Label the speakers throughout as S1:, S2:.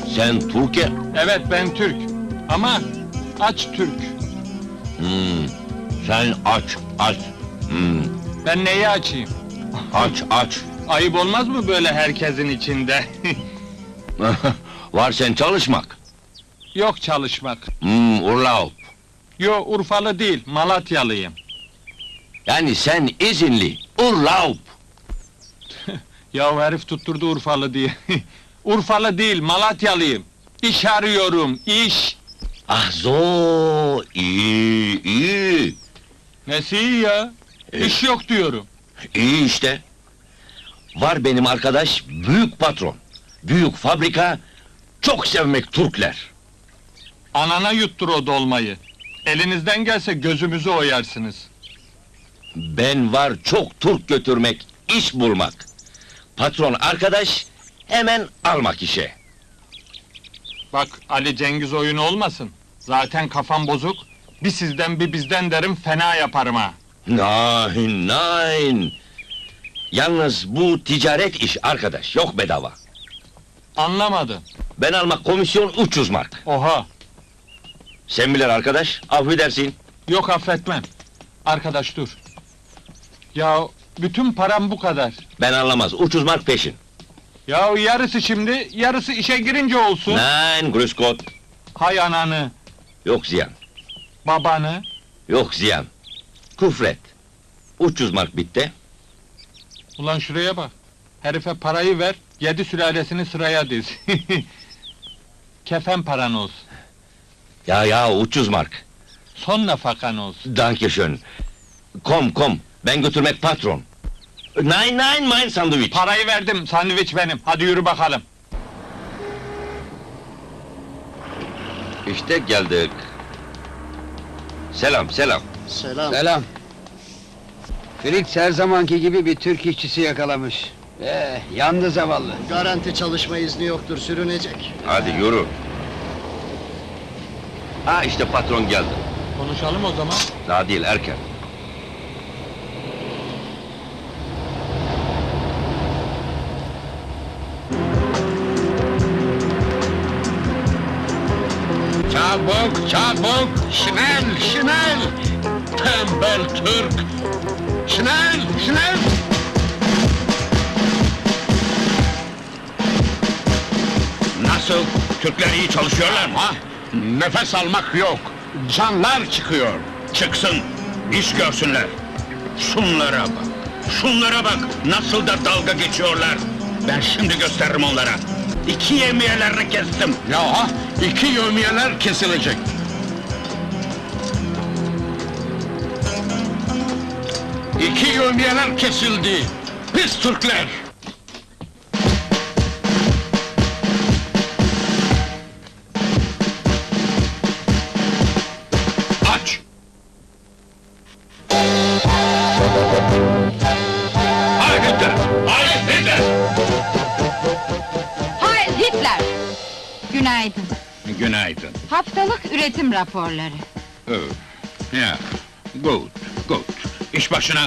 S1: Sen Türkiye...
S2: Evet, ben Türk. Ama aç Türk.
S1: Sen aç.
S2: Ben neyi açayım?
S1: Aç.
S2: Ayıp olmaz mı böyle herkesin içinde?
S1: Var sen çalışmak.
S2: Yok çalışmak.
S1: Urlaub.
S2: Yo, Urfalı değil, Malatyalıyım.
S1: Yani sen izinli. Urlaub.
S2: Ya herif tutturdu Urfalı diye. Urfalı değil, Malatyalıyım. İş arıyorum, iş!
S1: Ah zo, iyi.
S2: Nesi iyi ya? İş yok diyorum.
S1: İyi işte. Var benim arkadaş, büyük patron. Büyük fabrika, çok sevmek Türkler.
S2: Anana yuttur o dolmayı. Elinizden gelse gözümüzü oyarsınız.
S1: Ben var çok Türk götürmek, iş bulmak. Patron arkadaş, hemen almak işe.
S2: Bak, Ali Cengiz oyunu olmasın. Zaten kafam bozuk. Bir sizden bir bizden derim, fena yaparım ha.
S1: Nein. Yalnız bu ticaret iş arkadaş, yok bedava.
S2: Anlamadım.
S1: Ben almak komisyon 300 mark.
S2: Oha!
S1: Sen bilir arkadaş, affedersin.
S2: Yok, affetmem. Arkadaş dur. Ya bütün param bu kadar.
S1: Ben anlamaz, 300 mark peşin.
S2: Ya yarısı şimdi, yarısı işe girince olsun.
S1: Nein, grüß Gott.
S2: Hay ananı,
S1: Yok ziyan,
S2: babanı.
S1: yok ziyan. Küfret. 300 mark bitti.
S2: Ulan şuraya bak. Herife parayı ver, 7 sülalesini sıraya diz. Kefen paran olsun.
S1: Ya 300 mark.
S2: Son nafakan olsun.
S1: Danke schön. Kom, ben götürmek patron. Nein, mein sandviç.
S2: Parayı verdim, sandviç benim. Hadi yürü bakalım.
S1: İşte geldik. Selam.
S3: Selam. Felix her zamanki gibi bir Türk işçisi yakalamış. Yandı zavallı.
S4: Garanti çalışma izni yoktur, sürünecek.
S1: Hadi yürü. İşte patron geldi.
S2: Konuşalım o zaman.
S1: Daha değil, erken.
S5: Çabuk! Schnell! Tembel Türk! Schnell!
S1: Nasıl? Türkler iyi çalışıyorlar mı?
S5: Nefes almak yok! Canlar çıkıyor!
S1: Çıksın, iş görsünler. Şunlara bak, nasıl da dalga geçiyorlar. Ben şimdi gösteririm onlara. 2 yemiyelerini kestim.
S5: Ya, 2 yevmiyeler kesilecek! İki yevmiyeler kesildi! Pis Türkler!
S1: Aç! Hay Hitler!
S6: Heil Hitler! Günaydın.
S5: Günaydın.
S6: Haftalık üretim raporları.
S5: Ya, good. İş başına!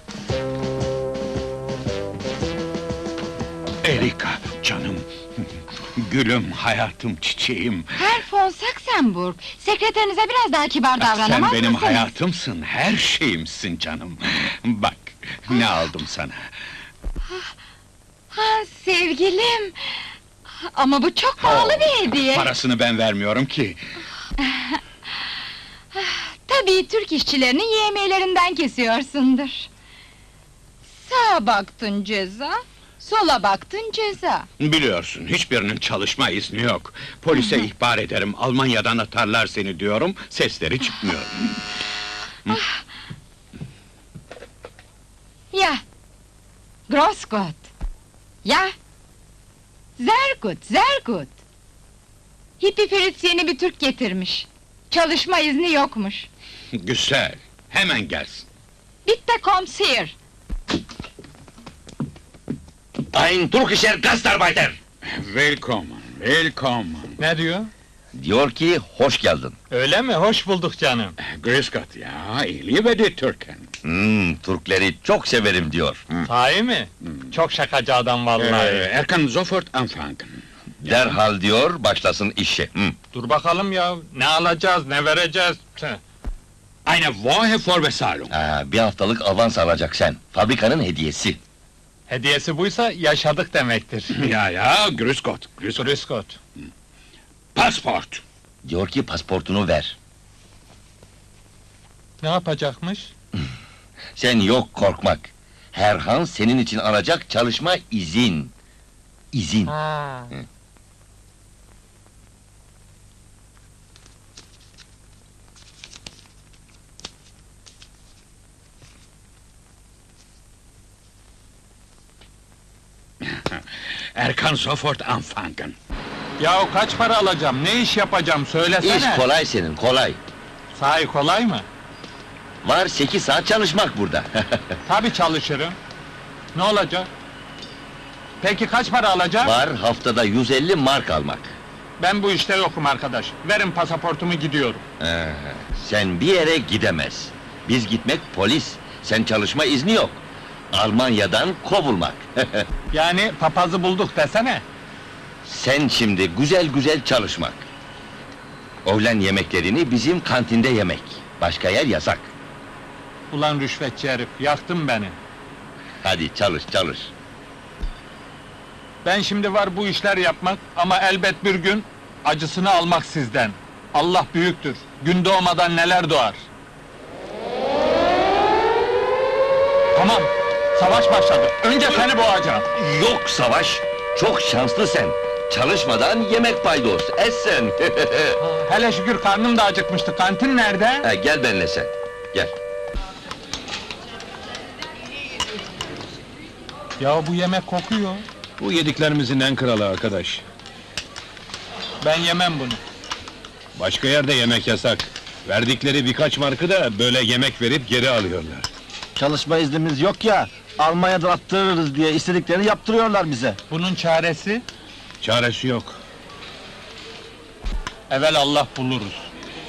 S5: Erika, canım! Gülüm, hayatım, çiçeğim!
S6: Herr von Saxenburg, sekreterinize biraz daha kibar davranamaz
S5: Sen benim
S6: mısınız?
S5: hayatımsın, her şeyimsin canım! Bak, ne aldım sana!
S6: Ha, sevgilim! Ama bu çok pahalı bir hediye.
S5: Parasını ben vermiyorum ki!
S6: Tabii Türk işçilerinin yemeğlerinden kesiyorsundur. Sağa baktın ceza, sola baktın ceza.
S5: Biliyorsun, hiçbirinin çalışma izni yok. Polise ihbar ederim, Almanya'dan atarlar seni diyorum, sesleri çıkmıyor.
S6: Ya! Groß Gott! Ya! Sehr gut! Hippi Fritz yeni bir Türk getirmiş. Çalışma izni yokmuş.
S5: Güzel, hemen gelsin.
S6: Bitte kommt's hier!
S1: Ein Türkischer Gastarbeiter!
S5: Willkommen!
S2: Ne diyor?
S1: Diyor ki, hoş geldin.
S2: Öyle mi? Hoş bulduk canım.
S5: Grüß Gott, ja, ich liebe die Türken.
S1: Türkleri çok severim diyor.
S2: Sahi mi? Çok şakacı adam vallahi.
S5: Er kann sofort anfangen.
S1: Derhal diyor, başlasın işe. Hı.
S2: Dur bakalım ya, ne alacağız, ne vereceğiz? Tüh.
S5: Eine Woche Vorbezahlung.
S1: Bir haftalık avans alacak sen. Fabrikanın hediyesi.
S2: Hediyesi buysa yaşadık demektir.
S5: Ja, ja, grüß Gott, grüß Gott.
S2: Grüß Gott.
S5: Passport.
S1: Diyor ki pasportunu ver.
S2: Ne yapacakmış?
S1: Sen yok korkmak. Herhan senin için alacak çalışma izin. İzin.
S2: Ha.
S5: Er kann sofort anfangen.
S2: Yahu kaç para alacağım, ne iş yapacağım söylesene!
S1: İş kolay senin, kolay.
S2: Sahi kolay mı?
S1: Var 8 saat çalışmak burada.
S2: Tabii çalışırım. Ne olacak? Peki kaç para alacağım?
S1: Var haftada 150 mark almak.
S2: Ben bu işte yokum arkadaş. Verin pasaportumu gidiyorum.
S1: Sen bir yere gidemez. Biz gitmek polis. Sen çalışma izni yok. Almanya'dan kovulmak.
S2: Yani papazı bulduk desene.
S1: Sen şimdi güzel güzel çalışmak. Öğlen yemeklerini bizim kantinde yemek. Başka yer yasak.
S2: Ulan rüşvetçi herif, yaktın beni.
S1: Hadi çalış çalış.
S2: Ben şimdi var bu işler yapmak ama elbet bir gün acısını almak sizden. Allah büyüktür. Gün doğmadan neler doğar. Tamam, savaş başladı. Önce seni boğacağım.
S1: Yok savaş. Çok şanslı sen. Çalışmadan yemek paydos. Essen.
S2: Hele şükür karnım da acıkmıştı. Kantin nerede?
S1: Gel benimle sen. Gel.
S2: Ya bu yemek kokuyor.
S7: Bu yediklerimizin en kralı arkadaş.
S2: Ben yemem bunu.
S7: Başka yerde yemek yasak. Verdikleri birkaç markı da böyle yemek verip geri alıyorlar.
S8: Çalışma iznimiz yok ya, Almanya'da attırırız diye istediklerini yaptırıyorlar bize.
S2: Bunun çaresi?
S7: Çaresi yok.
S2: Evvel Allah buluruz.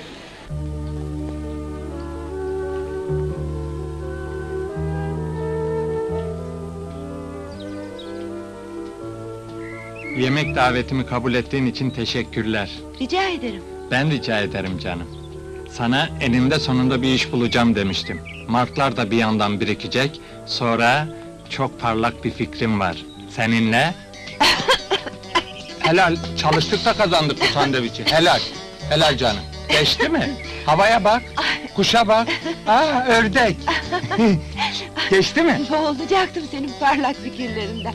S2: Yemek davetimi kabul ettiğin için teşekkürler.
S6: Rica ederim.
S2: Ben rica ederim canım. Sana eninde sonunda bir iş bulacağım demiştim. Marklar da bir yandan birikecek, sonra çok parlak bir fikrim var. Seninle... Helal, çalıştık da kazandık bu sandviçi, helal. Helal canım. Geçti mi? Havaya bak, kuşa bak. Aa, ördek. Geçti mi?
S6: Boğulacaktım senin parlak fikirlerinden.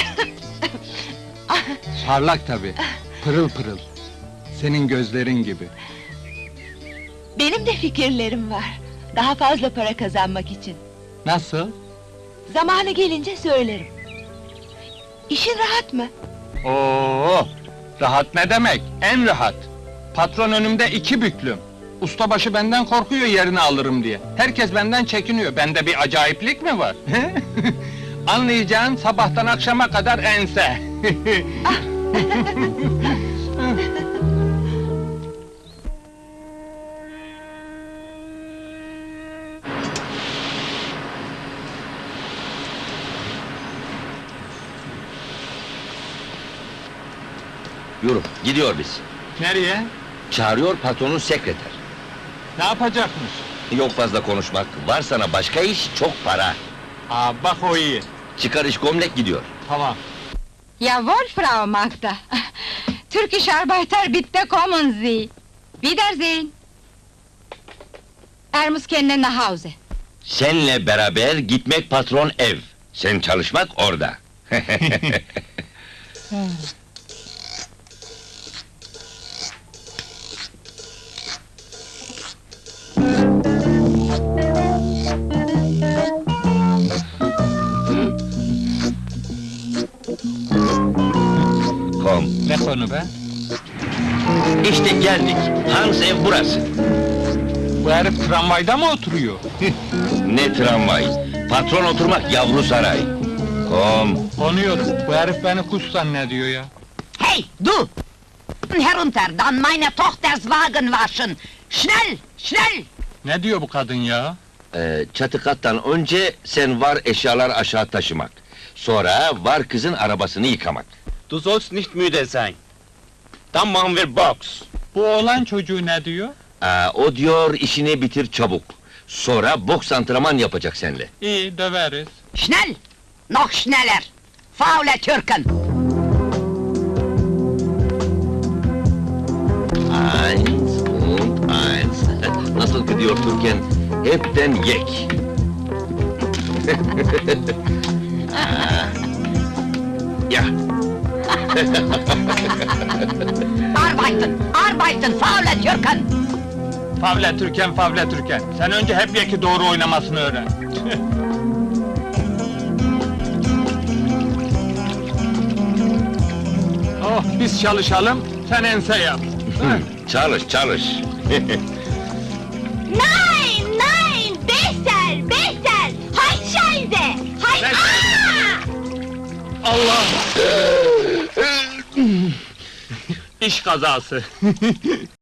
S2: Parlak tabii, pırıl pırıl. Senin gözlerin gibi.
S6: Benim de fikirlerim var. Daha fazla para kazanmak için.
S2: Nasıl?
S6: Zamanı gelince söylerim. İşin rahat mı?
S2: Oo, rahat ne demek? En rahat. Patron önümde 2 büklüm. Ustabaşı benden korkuyor yerini alırım diye. Herkes benden çekiniyor. Bende bir acayiplik mi var? Anlayacağın sabahtan akşama kadar ense.
S1: Yürü, gidiyor biz.
S2: Nereye?
S1: Çağırıyor patronun sekreter.
S2: Ne yapacakmış?
S1: Yok fazla konuşmak, var sana başka iş, çok para.
S2: Aa, bak o iyi.
S1: Çıkar iş gömlek gidiyor.
S2: Tamam.
S6: Jawohl, Frau Magda. Türkisch Arbeiter, bitte kommen Sie. Wiedersehen. Er muss kendine nach Hause.
S1: Senle beraber gitmek patron ev. Sen çalışmak orada. Kom.
S2: Ne konu be?
S1: İşte geldik. Hans ev burası.
S2: Bu herif tramvayda mı oturuyor?
S1: Ne tramvay. Patron oturmak yavru saray. Kom.
S2: Konuyorum. Bu herif beni kuş zannediyor ya.
S9: Hey, du! Herunter, dann meine Tochters Wagen waschen! Schnell, schnell!
S2: Ne diyor bu kadın ya?
S1: Çatı kattan önce sen var eşyalar aşağı taşımak. Sonra var kızın arabasını yıkamak.
S8: Du sollst nicht müde sein. Dann machen wir Box.
S2: Bu oğlan çocuğu ne diyor?
S1: O diyor işini bitir çabuk. Sonra boks antrenman yapacak seninle.
S2: İyi, döveriz.
S9: Schnell! Noch schneller! Faule Türken!
S1: Eins und eins. Nasıl gidiyor Türkan? Hepten yek. Ya,
S9: Arbeiten! Arbeiten! Faule Türken!
S2: Favle Türken, Favle Türken. Sen önce hep yeki doğru oynamasını öğren. Oh, biz çalışalım, sen ense yap.
S1: çalış çalış.
S6: Nein, nein, besser, besser! Halt Scheiße! Halt!
S2: Besser. Allah! İş kazası.